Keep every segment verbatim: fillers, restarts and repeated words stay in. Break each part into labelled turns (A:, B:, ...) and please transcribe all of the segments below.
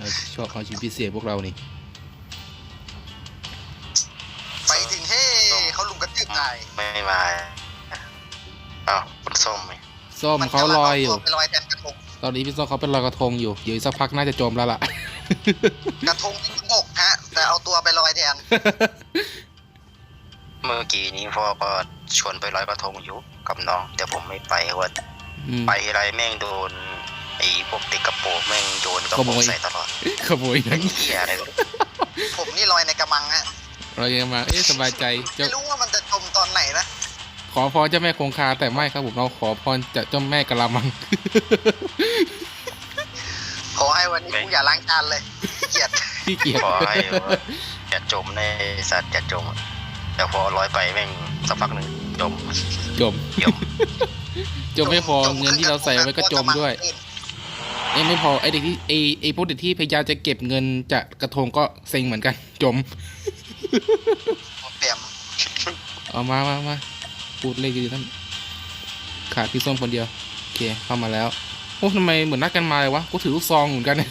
A: ชอบเอาชีวิตพิเศษพวกเรานี่
B: ไปถึงเฮ้เขาลุมกระตืบตาย
C: ไม่มาอ้าวคุณส้มไหม
A: ส้มเขาลอยอยู่
B: ไปลอยแทนกระทง
A: ตอนนี้พี่ส้มเขาเป็นลอยกระทงอยู่เดี๋ยวอีกสักพักน่าจะจมแล้วล่ะ
B: กระทงที่บกฮะแต่เอาตัวไปลอยแทน
C: เมื่อกี้นี้พ่อก็ชวนไปลอยกระทงอยู่กับน้องแต่ผมไม่ไปว่า
A: อืม
C: ไปไรแม่งโดนไอ้พวกติดกระโปรงแม่งโยนกระ
A: ข
C: โป
A: โม
C: รง
A: ย
C: ใส่ตลอด
A: ขโมยหนัง
C: เหี้ยอะไรวะ
B: ผมนี่ลอยในกระมังฮะ
A: เรายังมาเอ๊ะสบายใจเจ้า
B: ไม่รู้ว่ามันจะจมตอนไหนนะ
A: ขอพรเจ้าแม่คงคาแต่ไม่ครับผมเราขอพรจากเจ้าแม่กะละมัง
B: ขอให้วันนี้กูอย่าล้างจานเลยเกลียด
A: ขี้เกียจ
C: ขอให้ว่าอย่าจมในสัตว์อย่าจมแต่พอลอยไปแม่งสักพักหนึ่งจม
A: จม
C: เดี๋ยว
A: จมไม่พอเงินที่เราใส่ไว้ก็จมด้วยเอ้ยไม่พอไอเด็กที่ไอไอพวกเด็กที่พยายามจะเก็บเงินจากกระทงก็เซ็งเหมือนกัน จม
B: เปลี่ยม
A: เอามามามาพูดเลยคือท่านขาดพี่ส้มคนเดียวโอเคเข้ามาแล้วโอ้ทำไมเหมือนนัดกันมาเลยวะกูถือลูกซองเหมือนกันเนี่ย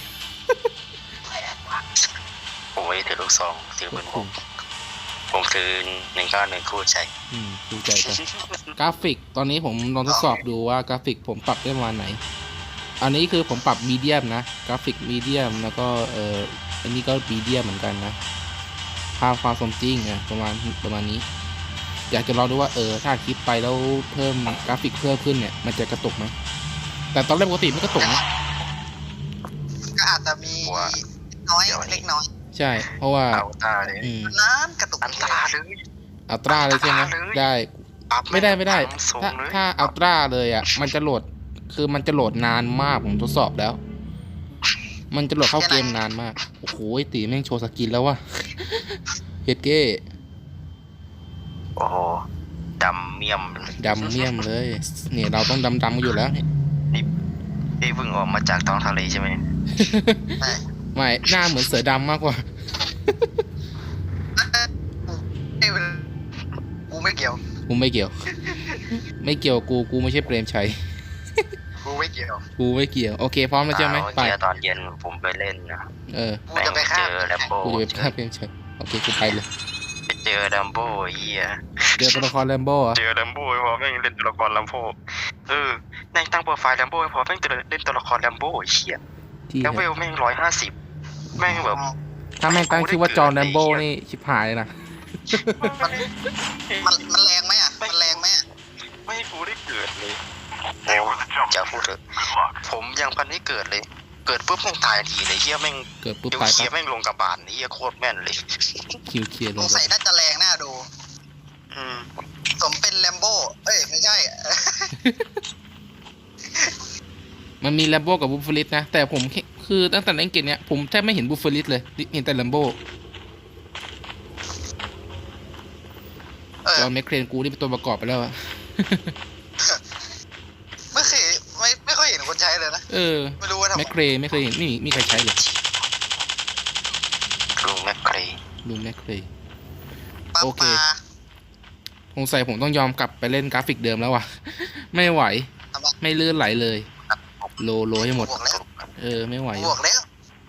C: ผมไม่ถือลูกซองถือปืนพกผมถือหนึ่งเก้าหนึ่งคู่ใจ
A: อืมดูใจกันกราฟิกตอนนี้ผมลองทดสอบดูว่ากราฟิกผมปรับได้ประมาณไหน อันนี้คือผมปรับมีเดียมนะกราฟิกมีเดียมแล้วก็เอ่ออันนี้ก็มีเดียมเหมือนกันนะภาพความสมจริงอะประมาณประมาณนี้ อยากจะลองดูว่าเออถ้าคลิปไปแล้วเพิ่มกราฟิกเพิ่มขึ้นเนี่ยมันจะกระตุกไหมแต่ตอนแรกปกติไม่กระตุกนะ
B: ก็อาจจะมีน้อยเล็กน้อย
A: ใช่เพราะว่า
C: เอาตาเลย
A: อืม
B: น้ำกระตุก
C: อันตราเลย
A: อัลตร้าเลยใช่ไหม
C: อัลตร้าเลย
A: ได้
C: ปรับ
A: ไม่ได้ไม่ได้
C: สูง
A: ถ้า
C: เลย
A: ถ้าอัลตร้าเลยอ่ะมันจะโหลดคือมันจะโหลดนานมากผมทดสอบแล้ว มันจะโหลดเข้าเกมนานมากโอ้โหตีแม่งโชว์สกินแล้ววะ เฮดเก้
C: โอ้โหดำเมี่ยม
A: ดำเมี่ยมเลยเนี่ยเราต้องดำดำกันอยู่แล้วเนี่ย
C: พี่เพิ่งออกมาจากท้องทะเลใช่ไหม
A: ไม่หน้าเหมือนเสือดำมากกว่า
B: กูไม่เกี่ยว
A: กูไม่เกี่ยว ไม่เกี่ยวกูกูไม่ใช่เปรมชัย
B: กูไม่เกี่ยว
A: กูไม่เกี่ยวโอเคพร้อมแล้วใช่ไหม
C: อ่า
A: ไป
C: เมื่อกี้ตอนเย็นผมไปเล่นนะ
A: เออ
B: กูจะไปฆ่า
C: เจอแลมโบ้
A: กูจะไปฆ่าเปรมชัยโอเคกูไปเลย
C: ไปเจอแลมโบ้เฮีย
A: เจอตัวละครแลมโบ้อะ
C: เจอแลมโบ้พอแม่งเล่นตัวละครแลมโบ้เออแม่งตั้งโปรไฟล์แลมโบ้พอแม่งเล่นตัวละครแลมโบ้เฮีย
A: ที่
C: แล้วเวลแม่งร้อยห้าสิบแม่งแบบ
A: ถ้าแม่งตั้งชื่อว่าจอห์นแลมโบ้นี่ชิบหายเลยนะ
B: มันมันมันแรงไหมอ่ะมันแรงไหมอ่ะ
C: ไม่ให้กูได้เกิดเลยจะพูดเถอะผมยังพันไม่เกิดเลย เกิดปุ๊บแม่งตายทันทีเลยเฮียแม่ง
A: เกิดปุ๊บ
C: เดี๋ยว
A: ตาย
C: เฮีย
A: ปั๊บ
C: แม่งลงกับบานเฮียโคตรแม่นเลย
A: คิวเคลียร์เล
B: ส
A: ย
B: งสัยน่าจะแรงน่าดู
C: อืม
B: สมเป็นแลมโบ้เอ้ยไม่ใช่
A: มันมีแลมโบ้กับบูฟเฟลิสนะแต่ผมแค่คือตั้งแต่เล่นเกมเนี้ยผมแทบไม่เห็นบูฟเฟลิสเลยเห็นแต่แลมโบ้
B: เออ
A: จอห์นแมคเครนกูนี่เป็นตัวประกอบไปแล้วอะ
B: ไม่เคยไม่ไม่ค่อยเห็นคนใช้เลยนะ
A: เออ
B: ไม่รู้ว่าทำ
A: แม
B: ไม
A: คเครนไม่เคยเห็นไม่มีมีใครใช้เลย
C: ลุงแมคเคร
A: ลุงแมคเครน
B: ปั๊ม
A: โอเค
B: ปลา
A: สงสัยผมต้องยอมกลับไปเล่นกราฟิกเดิมแล้วว่ะ ไม่ไหว
B: ทำไม
A: ไม่ลื่นไหลเลย โลโลให้หมด
B: บวกแล้ว
A: เออไม่ไหว
B: บวกแล้ว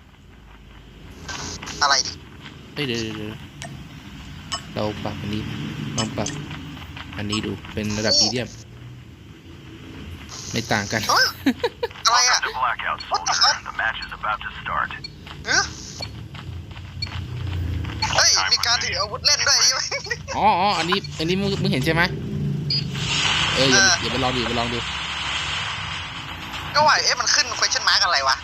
B: อะไรดิ
A: เฮ้ยเดี๋ยวเดี๋ยวเดี๋ยวเราปรับอันนี้ลองปรับอันนี้ดูเป็นระดับมีเดียมไม่ต่างกัน
B: เฮ้ยอะไรอ่ะ
D: The blackout, soldier. The match is about to start.
B: เฮ้ยเฮ้ยมีการถืออาวุธเล่นด้วยใช่ไหม
A: อ๋ออ๋ออันนี้อันนี้มึงมึงเห็นใช่ไหมเอออย่า
B: เออ
A: อย่าไปลองดูอย่าไปลองดู
B: ก็ว่าเอ๊ะมันขึ้น question mark อะไรวะ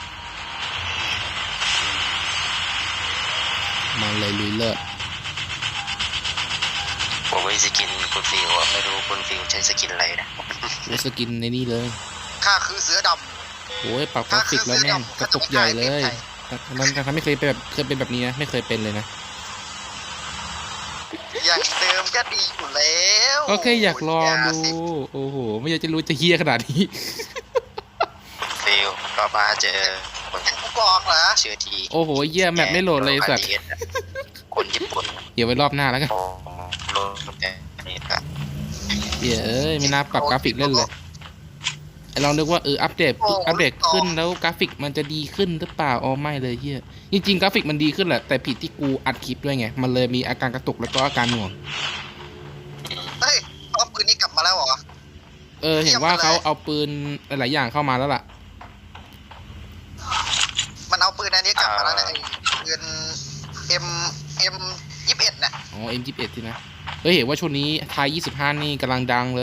A: มันเลยลุยเลิศ
C: ผมไว้สกินคุณฟิวอะไม่รู้คุณฟิวใช้สกินอะไรนะ
A: โอ้สกินในนี่เลย
B: ข้าคือเสือด
A: โอ้ยปรับกราฟิกแล้วแม่งกระตุกใหญ่เลยนั้นการไม่เคยเป็นแบบเคยเป็นแบบนี้นะไม่เคยเป็นเลยนะ
B: ำอย่างเดิมก็ดีอยู่แล้ว
A: ก็แค่อยากลองดู
B: ย่าสิ
A: โอ้โหไม่อยากจะรู้จะเฮี้ยขนาดนี้
C: ฟิวก็มาเจอคน
B: กูบอกเหรอ
C: เชื่อที
A: โอ้โหเยี่ยแมปไม่โหลดเลยสัตว์
C: คนญี่ปุ่น
A: เดี๋ยวไว้รอบหน้าแล้วกัน
C: โอ้โหลดแต่นี่ครับ
A: เดี๋ยวเอ้ยไม่น่าปรับกราฟิกเล่นเลยไอเรานึกว่าเอออัปเดตอัปเดตขึ้นแล้วกราฟิกมันจะดีขึ้นหรือเปล่าอ๋อไม่เลยเฮียจริงๆกราฟิกมันดีขึ้นแหละแต่ผิดที่กูอัดคลิปด้วยไงมันเลยมีอาการกระตุกแล้วก็อาการหน่วง
B: เฮ้ยเอาปืนนี้กลับมาแล้วเหรอ
A: เออเห็นว่าเขาเอาปืนหลายๆอย่างเข้ามาแล้วล่ะ
B: มันเอาปืนอันนี้กลับมาแล้วนะไอ้ปืน M M ยี่สิบเอ็ดน่ะ
A: อ๋อ เอ็ม ยี่สิบเอ็ด สินะเฮ้ยเห็นว่าช่วงนี้ไทยยี่สิบห้านี่กำลังดังเลย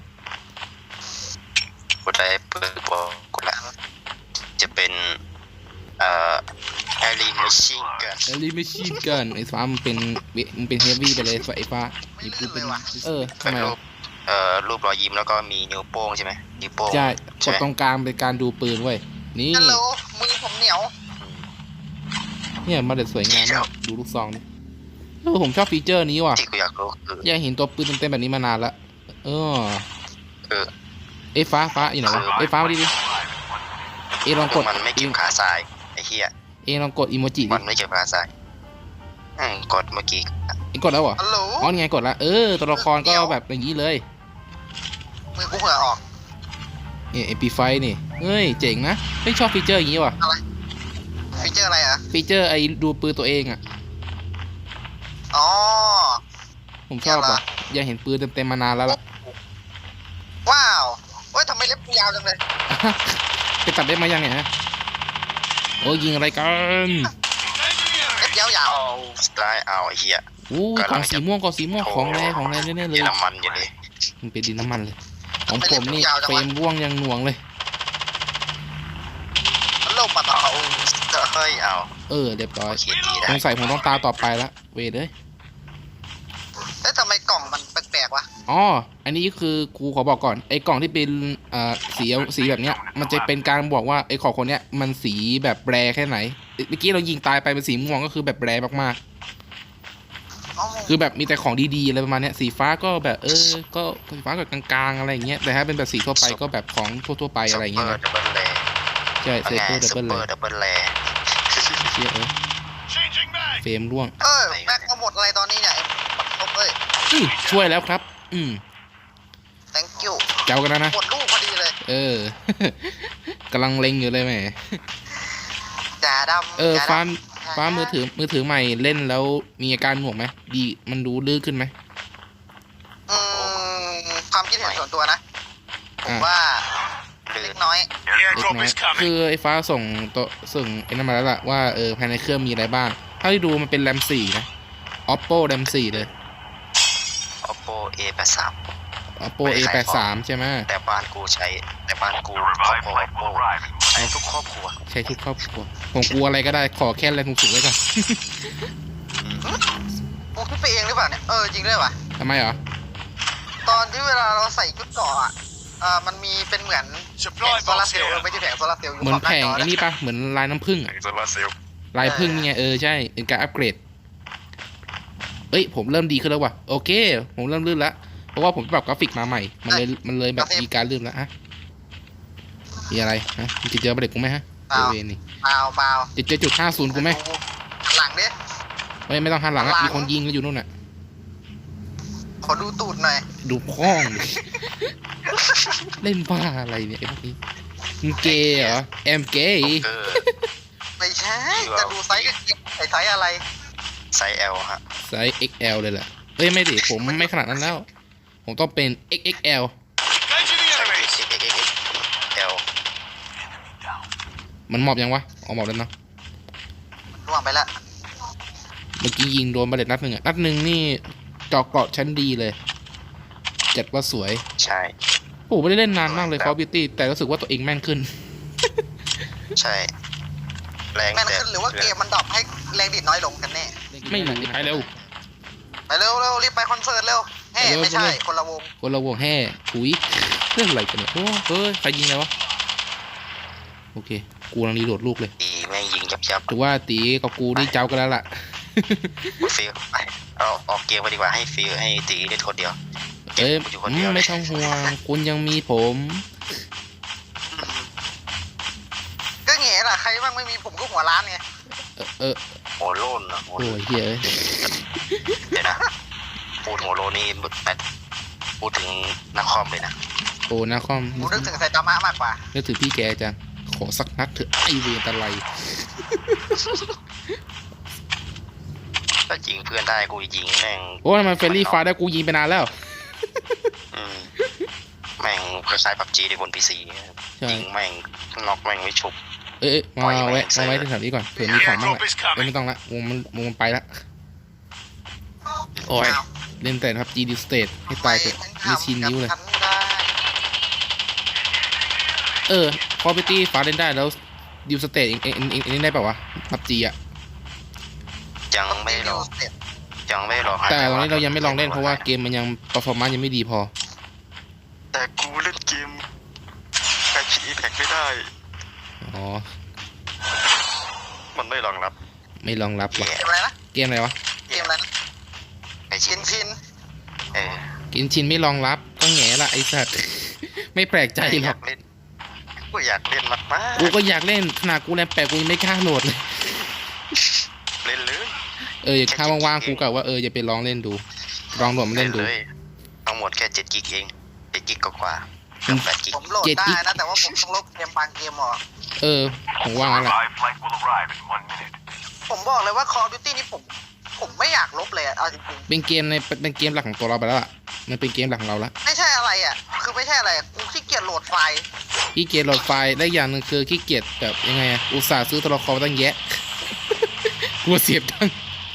C: กูได้เปิดบอกกูแล้วจะเป็นเอ่อแอรีมชิงกัน
A: เอลิไม่ชีพกันไอ้ฟ้ามันเป็นมันเป็นเฮฟวี่ไปเลยไอ้ฟ้า
B: ไม่
A: ไอ้
B: ลื่
A: กู
B: น
A: เป็
B: เล
A: น
B: ยว่ะ
A: เออทำ
C: เป็น
A: ไม
C: รู
A: วะ
C: ปเอ่อรูปรอยยิ้มแล้วก็มีนิ้วโป้งใช่ไหมนิ้วโป้ง
A: ใช่ก
C: ใช่
A: ด
C: ไหม
A: ตรงกลางเป็นการดูปืนเว้ยนี่
B: ฮัลโหลมือผมเหนียว
A: เนี่ยมาเด็ดสวยงามมากดูลูกซองดิเออผมชอบฟีเจอร์นี้ว่ะ
C: ที่กูอยากรู้คือ
A: อยากเห็นตัวปืนเต็มๆแบบนี้มานานละเออ
C: เออ
A: ไอ้ฟ้าฟ้าอยู่ไหนวะไอ้ฟ้ามาดิดิเอลองกด
C: มันไม่เก็บขาทรายไอ้เหี้ย
A: เอลองกดอีโมจิดิ
C: มันไม่เก็บขาทรายอืมกดเมื่อกี้
A: เอ็งกดแล้วเหรอ
B: ฮัลโหล
A: อ๋อนี่ไงกดละเออตัวละครก็แบบอย่างนี้เลย
B: มือกูเหื่อออก
A: เนี่ยเอ็มพีไฟนี่เฮ้ยเจ๋งนะไม่ชอบฟีเจอร์อย่างนี้ว่ะ
B: ฟีเจอร์อะไรอ่ะ
A: ฟีเจอร์ไอ้ดูปืนตัวเองอ่ะ
B: อ๋อ
A: ผมชอบอ่ะอยากเห็นปืนเต็มๆมานานแล้วล่ะ
B: ว้าวเฮ้ยทำไมเล็บกูยาวจังเลย
A: ไปตัดได้มายังไงฮะโอ้ยิงอะไรกัน
B: เล็บยาว
C: เอาสไตล์เอาไอ้เหี้ย
A: อู้กล่องสีม่วงกล่องสีม่วงของแรงของแรงแน่ๆเลย
C: เยอรมันอยู่เลย
A: มันเป็นดินน้ำมันเลยของผมนี่เฟรมร่วงยังหน่วงเลย
B: ๆฮัลโหลปัดเอา
C: เฮ้ยเอา
A: เออเรียบร้อย
C: โอเคดีได้
A: สงสัยผมต้องตาต่อไปละเวทเลย
B: เฮ้ยทำไมกล่องมันแปลกๆวะ
A: อ๋ออันนี้คือกูขอบอกก่อนไอ้กล่องที่เป็นอ่าสีสีแบบเนี้ยมันจะเป็นการบอกว่าไอ้ของคนเนี้ยมันสีแบบแบรแค่ไหนเมื่อกี้เรายิงตายไปเป็นสีม่วงก็คือแบบแบรมาก
B: อ๋อ
A: ๆคือแบบมีแต่ของดีๆอะไรประมาณเนี้ยสีฟ้าก็แบบเออก็สีฟ้ากับกลางๆอะไรอย่างเงี้ยแต่ถ้าเป็นแบบสีทั่วไปก็แบบของทั่วๆไปอะไรอย่างเงี้ย
C: ซุป
A: นะ
C: เปอร์ดับเบิลแล
A: ใช่เซ
C: ไง
A: เปอร์ดับ
C: ซุป
A: เบิล
C: เป
A: เล
C: อย ร์ดับเบิลแล
A: เชี่ยเออ
D: Changing mag.
A: เฟรมร่วง
B: เออแม็กมาหมดอะไรตอนนี้เนี่ยครบเอ้ย
A: อื้อช่วยแล้วครับ อืม
B: thank you
A: เจ้ากันแล้วนะ
B: หมดลูกพอดีเลย
A: เออ กำลังเล็งอยู่เลยแหม
B: จ่าดำ
A: เออ
B: จ่ดำ
A: ฟ้าฟ้ามือถือมือถือใหม่เล่นแล้วมีอาการหน่วงไหมดีมันดูลื่นขึ้นไหม
B: อืมความคิดเห็นส่วนตัวนะ ผม
A: อ่ะ
B: ว่า
C: ลื่
B: เล็
C: น
B: กน้อย
D: The
A: เล็ก
D: airdrop
A: น้อย
D: is coming.
A: คือไอ้ฟ้าส่งตัวส่งไอ้นั่นมาแล้วล่ะว่าเออภายในเครื่องมีอะไรบ้างเท่าที่ดูมันเป็นแรมสี่นะ oppo แรมสี่เลย
C: oppo เอ แปดสิบสาม
A: oppo เอ แปดสิบสาม ใช่ไหม
C: แต่บ้านกูใช้แต่บ้านกู
D: The
C: ครอบ
D: revived
C: ครัว
D: flight will arrive in
C: ใช้ทุกครอบครัว
A: ใช้ทุกครอบครัวผมกลัวอะไรก็ได้ขอแค่แรงสูงๆไว้ก่อน
B: กูคิดไปเองหรือเปล่าเนี่ย เออจริงด้วยว่ะ
A: ทำไมเหรอ
B: ตอนที่เวลาเราใส่ชุดเกราะอ่ะเอ่ามันมีเป็นเหมือนแผ
D: Supply
B: งโซลาร์
D: box
B: เซลล์เออ
D: here.
B: ไม่ใช่แผงโซลาร์เซลล์อยู่
A: เหมือน
B: ขบ
A: แผง
B: าจ
A: ไอ้นี่ปะเหมือนลายน้ำผึ้งอะ
C: โซลาร์เซลล์
A: ลายพึ่งนี่ไงเออใช่เป็นการอัปเกรดเอ้ยผมเริ่มดีขึ้นแล้วว่ะโอเค ผมเริ่มลื่นละเพราะว่าผมปรับกราฟิกมาใหม่ มันเลยมันเลยแบบมีการลื่นแล้วฮะมีอะไรฮะมึงจะเจอประเด็กกูไหมฮะเจอเวรนี่
B: เปล่าเปล่า
A: จะเจอจุดห้าศูนย์กูไหม
B: หลังดิ
A: ไม่ไม่ต้องหันหลังอะ
B: หลัง
A: มีคนยิงกันอยู่นู่นน่ะ
B: ขอดูตูดหน่อย
A: ดูพ้องดิ เล่นบ้าอะไรเนี่ยไอ้พวกนี้มึงเกย์เหรอแอมเกย์
C: เออ
B: ไม่ใช่ จะดูไซส์กันใส่ไซส์อะไร
C: ไซส์ L ฮะ
A: ไซส์ เอ็กซ์ แอล เลยแหละเอ้ยไม่ดิผมไม่ขนาดนั้นแล้ว ผมต้องเป็น เอ็กซ์ เอ็กซ์ แอล
D: Engaging the
C: ใช่
D: enemies.
C: X X X L
A: มันหมอบยังวะอ๋อหมอบแล้วเนาะ
B: ล่วงไปละ
A: เมื่อกี้ยิงโดนบาเลตนัดหนึ่งอะนัดหนึ่งนี่จอกเกราะชั้นดีเลยจัดว่าสวย
C: ใช่
A: โอ้ไม่ได้เล่นนานมากเลย Call of Duty แต่รู้สึกว่าตัวเองแม่นขึ้น
C: ใช่ แรง
B: แม่น
C: แต่
B: ขึ้นหรือว่าเกมมันดรอปให้แรงดิดน้อยลงกันแน่
A: ไม่หนีไปเร็ว
B: ไปเร็วเร็วรีบไปคอนเสิร์ตเร็วเฮ้
A: ไปเร็ว
B: ไม่ใช่
A: ไปเร็ว
B: คนละวง
A: คนละวงแห่ถุยเรื่องอะไรกันเนี่ยโอ้เฮ้ยใครยิงอะไรวะโอเคกูกำลังรีโหลดลูกเลย
C: ตีแม่งยิงยับยับ
A: ถือว่าตีกับกูนี่เจ้ากันแล้วล่ะ
C: ฟิลไปเอาออกเกมไปดีกว่าให้ฟิลให้ตีเล่นคนเดียว
A: เอ้ย
C: กูอยู่คน
A: อื
C: เดียว
A: ม
C: เล
A: ไม่
C: ย
A: ต้องห่วงคุณยังมีผม
B: ก็แง่ล่ะใครบ้างไม่มีผมก็หัวร้านไง
A: เออเออ
C: โหัวโลนอะโห
A: โอ้ยเฮ้ย
C: เดี๋ยวนะพูดหัวโลนนี่แบบพูดถึงนักคอมเลยนะ
A: โอ้นาคอม
B: กูนึกถึงไซตามะมากกว่า
A: นึกถึงพี่แกจังขอสักนัดเถอะไอเวรตะไล
C: ถ้ายิงเพื่อนได้กูยิงแม่ง
A: โอ้ทำไมเฟรนลี่ไฟได้กูยิงไปนานแล้ว
C: อืมแม่งคล้ายๆพับจีในบนพีซี
A: ใช่
C: ยิงแม่งน็อกแม่งไม่ชุบ
A: เอ้ยเอ้ยมาแวะมาไว้แถวนี้ก่อนเผื่อมีของบ้างแหละเอ้ยไม่ต้องละวงมันวงมันไปละโอ้ยเล่นแต่ครับจีดิสเตทให้ตายเถอะไม่ชินนิ้วเลย
B: ทำกับฉันได้
A: เออพอไปตีฟ้าเล่นได้แล้วดิวสเตทเองเองเองเองเล่นได้เปล่าวะพับจีอะ
C: ยังไม่ลอง
B: เสร็จ
C: ยังไม่ลอง
A: แต่ตอนนี้เรายังไม่ลองเล่นเพราะว่าเกมมันยังเปอร์ฟอร์มานซ์ยังไม่ดีพอ
C: แต่กูเล่นเกมใครคิดอีแพ็กไม่ได้
A: อ๋อ
C: มันไม่รองรับ
A: ไม่รองรับว่ะ
B: เกมอะไรนะ
A: เกมอะไรวะ
B: เกมอะไรนะ
C: ไอชิ
B: ชิ
C: น
B: นชิน
C: เออ
A: กินชินไม่รองรับก็แง่ละไอ้สัตว์ ไม่แปลกใจหร
C: อ
A: อก
C: ยากเล่นกูอยากเล่นมากมาก
A: กูก็อยากเล่นขนาดกูแรมแปดกูยังไม่กล้าโหลดเลย
C: เล่นเลย
A: เออถ้าว่างๆกูกะว่าเออจะไปลองเล่นดูลองโหลดมาเล่นดู
C: เลยทั้งหมดแค่เจ็ดกิกเองเจ็ดกิกกว่าเกือบแปดกิก
B: ผมโหลด
A: เจ็ด
B: ได้
A: อีก
B: นะ แต่ว่าผมต้องลบเกมบางเกมออก
A: เออผมว่างั้นแหละ
D: Live flight will arrive in one minute.
B: ผมบอกเลยว่า Call of Duty นี่ผม ผมไม่อยากลบเลยอะเอาจริง
A: เป็นเกมในเป็นเกมหลักของตัวเราไปแล้วอ่ะมันเป็นเกมหลักของเราละ
B: ๆไม่ใช่อะไรอ่ะ คือไม่ใช่อะไรอะกูขี้เกียจโหลดไฟล์
A: ขี้เกียจโหลดไฟล์และอย่างหนึ่งคือขี้เกียจแบบยังไงอะอุตส่าห์ซื้อตัวละครตั้งแยะ กลัวเสียบตังค์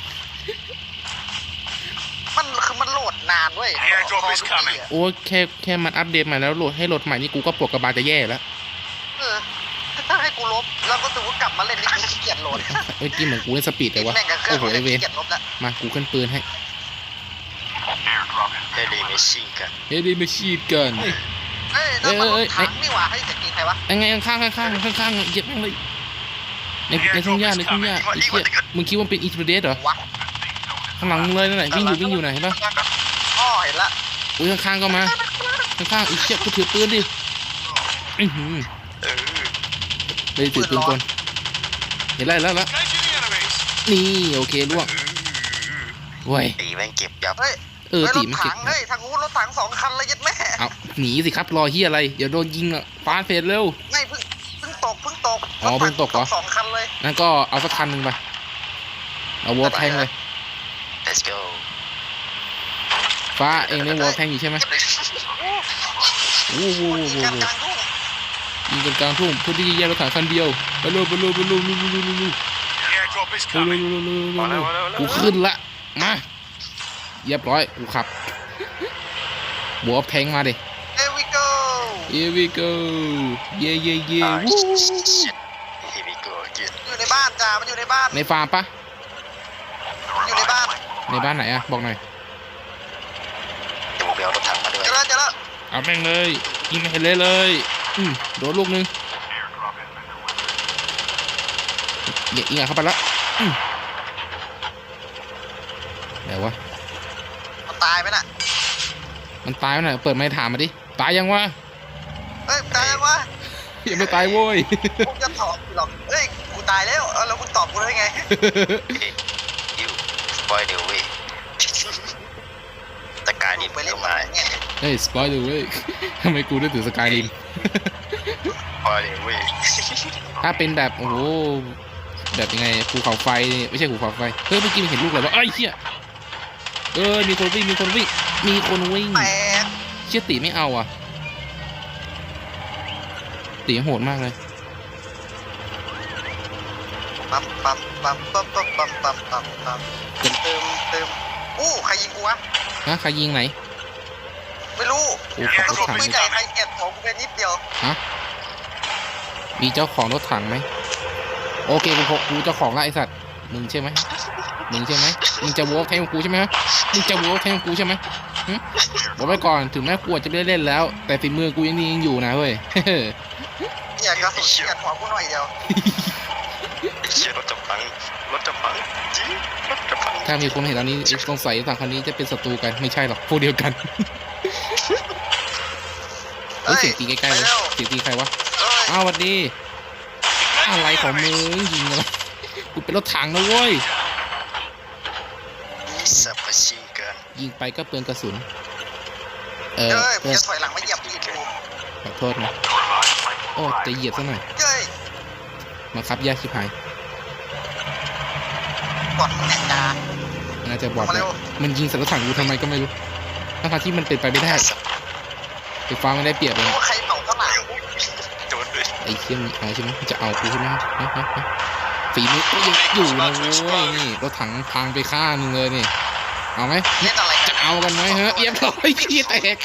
B: มันคือมันโหลดนานเว้ย
D: The airdrop is coming
B: อะ
A: โอ้แค่แค่มันอัปเดตใหม่แล้วโหลดให้โหลดใหม่นี่กูก็ปวดกระบาลจะแย่แล้ว
B: เออถ้าให้กูลบ แล้วก็ถือว่ากลับมาเล่นนี่กูขี้เกียจโหลด
A: เอ้ยกินเหมือนกูเล่นสปีดเลยวะ
B: แม่งกับเครื่อ
A: โอ้
B: ง
A: โหไอ
B: เล่น
A: เว
B: ขี้
A: ร
B: เกียจลบแล้ว
A: มากูขึ้นปืนให้
D: Airdrop is
C: เฮลิเมชิงกัน
A: เฮ้ยดีมาชีดกัน
B: เอ้ยนั่นมันร
A: เอ้ย
B: ถ
A: เอ้ย
B: ถังนี่หว่าให้เสียงจริงใครวะ
A: ยังไงข้างๆข้างๆข้างๆข้างๆเหยียบแม่งเลยในในทุ่งหญ้าในทุ่งหญ้าไอ้เหี้ยมึงคิดว่ามันเป็นอินทรเดสเหรอ
B: วะ
A: ข้างหลังมึงเลยนั่นแหละวิ่งอยู่วิ่งอยู่ไหนเห็นปะ
B: อ๋อเห็นละ
A: อุ้ยข้างๆก็มาข้างๆอีกเชี่ยกูถือปืนดิอื้อหือ
C: เออ
A: เลยถือปืนกลเห็นไรแล้วแล้ว
D: engaging the enemies.
A: นี่โอเคล่วงเว้ย
C: ตีแม่งเก็บยับ
B: เฮ้ย
A: เออ
B: ฮ้ย
A: ตี
B: รถ
A: มันเก็
B: ถั
A: บ
B: งเฮ้ยทางนู้นรถถังสองคันเลยยัดแม่
A: เอาหนีสิครับรอเฮียอะไรเดี๋ยวโดนยิงอ่ะฟาดเฟสเร็ว
B: ไม่เพิ่งเพิ่งตกเพิ่งตก
A: อ๋อเพิ่งตกเหรอ
B: สองคันเลย
A: นั่นก็เอาสักคันหนึ่งไปเอาวอลแทงเลย
C: let's go
A: ฟ้าเองได้วอลแทงอยู่ใช่ไหมโอ้โห
B: ยิงกันกลางทุ่ง
A: ยิงกันกลางทุ่งเพื่อที่จะแยกรถถังคันเดียวไปเร็วไปเร็วไปเร็วเร็วเร็วเร็วเร็วเร็ว
D: The airdrop is
A: เร็วเร็ว
D: coming.
A: เร็วเร็วเร็วเร็วกูขึ้นละมาเรียบร้อยกูขับวอลแทงมาดิ
B: เอวิโก้
A: Here we go เย่เย่เย่
C: อ่า
A: วู้
C: shit here we go again
B: อยู่ในบ้านจ้ามันอยู่ในบ้าน
A: ในฟาร์มปะ
B: อยู่ในบ้าน
A: ในบ้านไหนอะบอกหน่อย
C: เดี๋ยวผมไปเอารถถังมาด้วย
B: เจอแล้วเจอแล้ว
A: เอาแม่งเลยยิงไม่เห็นเลยเลยอืมโดนลูกนึง
D: Airdrop has been delivered.
A: อย่ายิงอ่ะเข้าไปละอืมไหนวะ
B: มันตายไหมน่ะ
A: มันตายไหมน่ะเปิดไมค์ถามมาดิตายยังวะ
B: เฮ้ยตายยังวะ
A: ยังไม่ตายโว้ย
B: กูจะตอบหรอกเฮ้ยกูตายแล้วเอาแล้วมึงตอบกูได้ไง
C: ยูสปอยเดี๋ยวเว้ยตะการนี่
B: ไปเล่น
C: มา
B: เนี่ย
A: เฮ้ยสปอยล์เว้ยทำไมกูได้ถือสกายริม
C: สปอยเดี๋ยวเว้ย
A: ถ้าเป็นแบบโอ้โหแบบยังไงภูเขาไฟนี่ไม่ใช่ภูเขาไฟเฮ้ยเมื่อกี้มันเห็นลูกอะไรวะเอ้ยเชี่ยเออมีคนวิ่งมีคนวิ่งมีคนวิ่ง
B: แตก
A: เชี่ยตีไม่เอาอ่ะตีโหดมากเลย
B: ปั๊มปั๊มปั๊มปั๊มปั๊มปั๊มปั๊มปั๊มปั๊มเติมเติมอู้ใครยิงกูวะ
A: ฮะใครยิงไหน
B: ไม่รู้
A: โอ้ขับรถถัง
B: ไม่
A: นี่
B: ใหญ่ใครเก็บของกูเป็นนิดเดียว
A: มีเจ้าของรถถังไหมโอเคกูพกกูเจ้าของละไอสัตว์มึงใช่ไหมมึงใช่ไหมมึงจะวอล์กแทงกูใช่ไหมมึงจะวอล์กแทงกูใช่ไหมหึบอกไว้ก่อนถึงแม้กูอาจจะไม่ได้เล่นแล้ว แต่ฝีมือกูยังดียังอยู่นะเว้ย
B: อยากกระสุนเก็บของกูหน่อยเดียว
C: ไอ้เชี่ยรถจะพังรถจะพังจริงรถจะพัง
A: ถ้ามีคนเห็นตอนนี้สงสัยต่างคันนี้จะเป็นศัตรูกันไม่ใช่หรอกพวกเดียวกันเฮ้ยเสียงตีใกล้ๆเลยเสียงตีใครวะ
B: เอ้ย
A: อ้าวสวัสดีอะไรของมึงยิงอะไรกูเป็นรถถังนะเว้ย
C: สับปะชิงกัน
A: ยิงไปก็เปลืองกระสุนเออ
B: เฮ้ยมึ
A: เพื่
B: ง
A: อน
B: จะถอยหลังมาเหยียบตีนกู
A: ขอโทษนะโอ้จะเหยียบซะหน่อย
B: เฮ้ย
A: มาครับยากชิบหาย
B: บอดมึงแหกตา
A: น่าจะบอด
B: มา
A: แล้
B: เร็
A: ว
B: ว
A: มันยิงใส่รถถังกูทำไมก็ไม่รู้ทั้งๆที่มันเป็นไปไม่ได้ไฟฟ้าไม่ได้เปรียบเลย
B: ว่าใครเผาข้างหลัง
C: โดนเลย
A: ไอ้เชี่ยมเอาใช่ไหมจะเอากูใช่ไหมฮะฮะฮะฝีมือก็ยังอยู่นะเว้ยนี่รถถังพังไปข้างนึงเลยนี่เอาไหม
B: เล่นอะไร
A: จะเอากันไหมฮะเรียบร้อยขี้แตก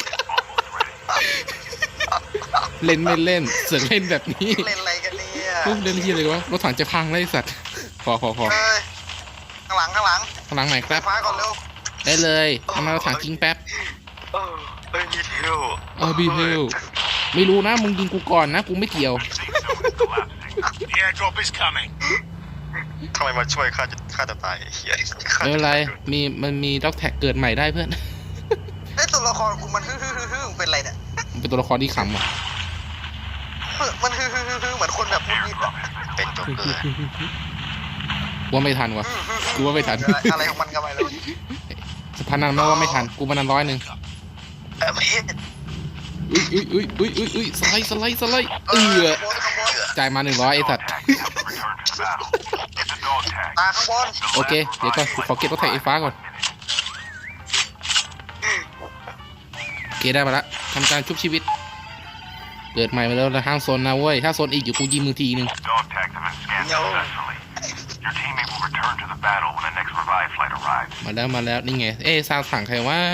A: เล่นไม่เล่นเสือกเล่นแบบนี้
B: เล่นอะไรกันเนี่ย
A: อุ๊ยเล่นที่อะไรวะรถถังจะพังเลยไอ้สัตว์พอพอพอ
B: เฮ้ยข้างหลังข้างหลัง
A: ข้างหลังไหนครับ
B: ฟ้าก่อนเร็ว
A: ได้เลยเอามารถถังทิ้งแป๊บ
C: เออเอ้ยมีเทล
A: เอาบีเฮลไม่รู้นะมึงยิงกูก่อนนะกูไม่เกี่ยว
D: The airdrop is coming.
C: ทำไมมาช่วยข้าจะข้าจะตายไอ้เหี้ย
A: ไม่เป็นไรมีมันมีด็อกแท็กเกิดใหม่ได้เพื่อน
B: ไอ้ยตัวละครกูมันฮึ่ฮึ่ฮึ่ฮึ่มึงเป็นไรเนี่ย
A: มันเป็นตัวละครที่ขำอ่ะ
B: เฮ้ยมันฮึ่ฮึ่ฮึ่ฮึ่เหมือนคนแบบพูดยิบอะ
C: เป็นโจ๊กเกอร์
A: กูว่าไม่ทันวะ กูว่าไม่ทัน
B: อะไรของมันกันไปเลย
A: สะพานนั้นไม่ว่าไม่ทันกูมานันร้อยหนึ่ง
C: เออไม่เห็น
A: อุ้ยอุ้ยอุ้ยอุ้ยอุ้ยอุ้ยสไลด์สไลด์สไลด์เออ
B: ข้างบนข้างบน
A: จ่ายมาหนึ่งร้อยไอ้สัตว์
D: Tag has return to the battle. It's a dog tag.
B: ตาข้างบน
A: โอเคเดี๋ยวก่อนกูขอเก็บรถไถไฟฟ้าก่อนโอเคได้มาละทำการชุบชีวิตเกิดใหม่มาแล้วแล้วห้ามโซนนะเว้ยถ้าโซนอีกอยู่กูยิงมือทีนึง
D: Dog tags have been scanned successfully. Your teammate will return to the battle when the next revive flight arrives.
A: มาแล้วมาแล้วนี่ไงเอ๊ะซาวถังใครวะ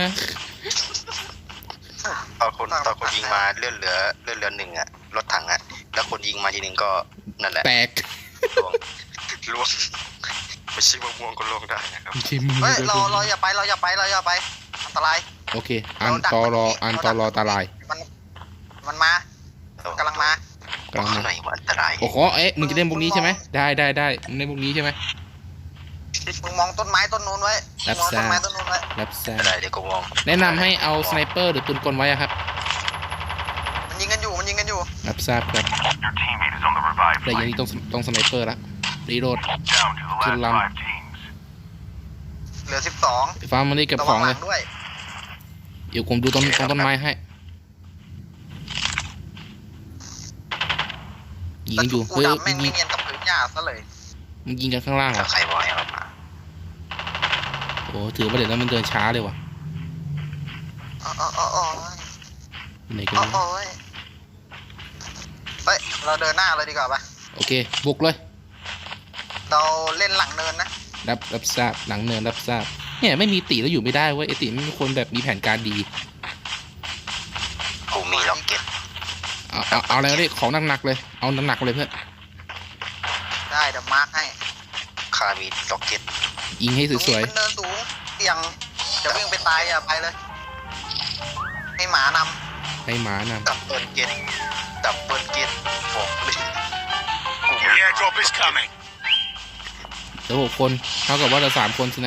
C: ตอนคนตอนคนยิงมาเลื่อนเหลือเลื่อนเหลือหนึ่งอะรถถังอะแล้วคนยิงมาทีหนึ่งก็นั่นแหละ
A: แตก
C: ล่วงล่วงไม่ใช่ว่าม่วงก็ล่วงได้นะครับ
A: ชิมมือ
B: เฮ้ยเราเราอย่าไปเราอย่าไปเราอย่าไปอันตราย
A: โอเคอันตอรออันตอรอตาลาย
B: มันมันมากำลังมาก
A: ำลัง
C: ข้าง
A: มา
C: ในว่าอันตราย
A: โอ้โหเอ๊ะมึงจะเล่นพวกนี้ใช่ไหมได้ได้ได้มึงเล่นพวกนี้ใช่ไหม
B: มึงมองต้นไม้ต้นนู้นไว้มึงมองต้นไม้ต้นนู้นไว้
A: รับแซ่
C: อะไรเดี๋ยวก็มอง
A: แนะนำให้เอาสไนเปอร์หรือปืนกลไว้อะครับ
B: มันยิงกันอยู่มันยิงกันอยู่
A: รับทราบครับ
D: Your teammate is on the revive
A: แต่อย่าง
D: flight.
A: นี้ต้องต้องสไนเปอร์ละรีโหลด
D: Down to the last
A: Kill 'em.
D: five teams.
B: เหลือสิบสอง
A: ไฟฟ้ามันรีบเก็บ
B: ระ
A: ข
B: วั
A: อง
B: งห
A: เล
B: ลั
A: ย
B: งด้วย
A: เดี๋ยวผมดูต้นต้นต้นไม้ให้ยิงกันอยู่
B: กู
A: เฮ้ย
B: ดำแม่ง
A: ยิ
B: ไม่
A: ง
B: เงียนกับพื้นหญ้าซะเลย
A: มันยิงกันข้างล่างเหร
C: ถ้า
A: อ่ะ
C: ใครบอกให้เรามา
A: โอ้ถือว่าเดี๋ยวนั้นมันเดินช้าเลยว่ะ
B: อ๋ออ๋ออ๋ออ๋อ
A: ไหนกัน
B: อ๋อ
A: วะ
B: อ๋อเฮ้ยเราเดินหน้าเลยดีกว่าปะ
A: โอเคบุกเลย
B: เราเล่นหลังเนินนะ
A: รับรับทราบหลังเนินรับทราบเนี่ยไม่มีติแล้วอยู่ไม่ได้เว้ยไอติไม่มีคนแบบมีแผนการดี
C: กูมีล็อกเก็ต
A: เอาเอาเอาอะไรก็ได้ของหนักๆเลยเอาหนักๆเลยเพื่อน
B: ได้เดี๋ยวมาร์คให้
C: ข้ามีล็อกเก็ต
A: ยิงให้
B: ตรง
A: สวย
B: นี้มันเนินสูงเสี่ยงจะวิ่งไปตายอย่าไปเลย ให้หมาน
A: ๆให้หมาน
C: ดับเบิลเก็ตดับเบิลเก็ตบอกเลยกู
D: The airdrop is coming.
A: ำเหลือหกคนเท่ากับว่าเราสามคนสินะ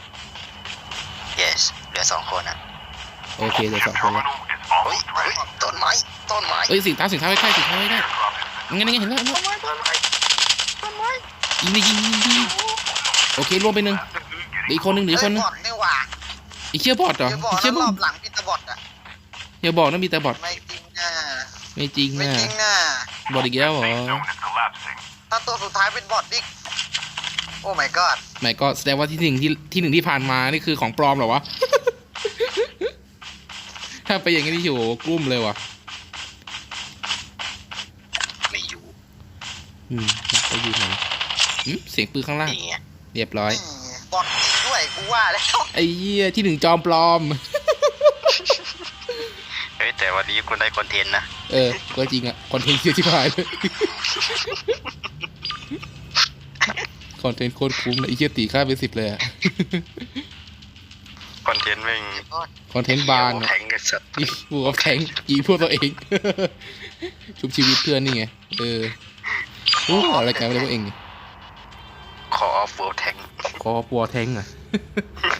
C: yes เหลือสองคนอ่ะ
A: โอเคเหลือสองคนแล้ว
D: Terminal is
C: เฮ้ย
D: almost
C: เฮ้ย
D: ready.
C: ต้นไม้ต้นไม้
A: เอ้ยสิงเท้าสิงเท้าใกล้ๆสิงเท้าใกล้
D: Airdrop has been
A: ๆงั้นงั้นเห็นแล้วเห็นแล้ว
C: ต้นไม้ต้นไม้ต้นไม้
A: ยิงดิยิงยิงยิงโอเครวมไปหนึ่งเหลืออีกคนหนึ่งเห
B: ำ
A: ลืออีกคนหนึ่ง
B: บอดนี่หว่า
A: อีกเชี่ยบอดเหรอ
B: เดี๋ยวบอ
A: อี
B: ด
A: กเชี่ย
B: แล้ว
A: บ
B: ร
A: อ
B: อ
A: ด
B: บหลังพี่ตะบอดอ่ะ
A: อย่าบอกนะมีแต่บอด
B: ไม่จริงนะ
A: ไม่จริง
B: ไม่
A: นะ
B: จริงนะ
A: บอดอีกแล้วเหรอ
D: Safe zone is collapsing.
B: ถ้าตัวสุดท้ายเป็นบอดดิโอ้ my god
A: ไม่ก็แสดงว่าที่หนึ่งที่ที่หนึ่งที่ผ่านมานี่คือของปลอมเหรอวะ ถ้าไปอย่างนี้นี่โหกลุ้มเลยวะ
C: ไม่อยู่
A: อืมไปอยู่ไหนอืมเสียงปืนข้างล่าง
C: นี่ไง
A: เรียบร้อย
B: นี่บอดจริงด้วยกูว่าแล้ว
A: ไอ้เหี้ยที่หนึ่งจอมปลอม
C: เฮ้ยแต่วันนี้คุณได้คอนเทนต์นะ
A: เออก็จริงอะคอนเทนต์เยอะที่ผ่านเลย คอนเทนต์โคตรคุ้มเลยไอ้เหี้ยตีค่าไปสิบเลยอะ
C: คอนเทนต์แม่ง
A: คอนเทนต์บาน
C: แท
A: อะ
C: งกันสัตว์
A: ยิงบัวแทงยิงพวกตัวเอง ชุบชีวิตเพื่อนนี่ไง เออโอ้อะไรกันไม่รู้เอง
C: คออฟเวิลด์แทง
A: คอปัวแทงอะ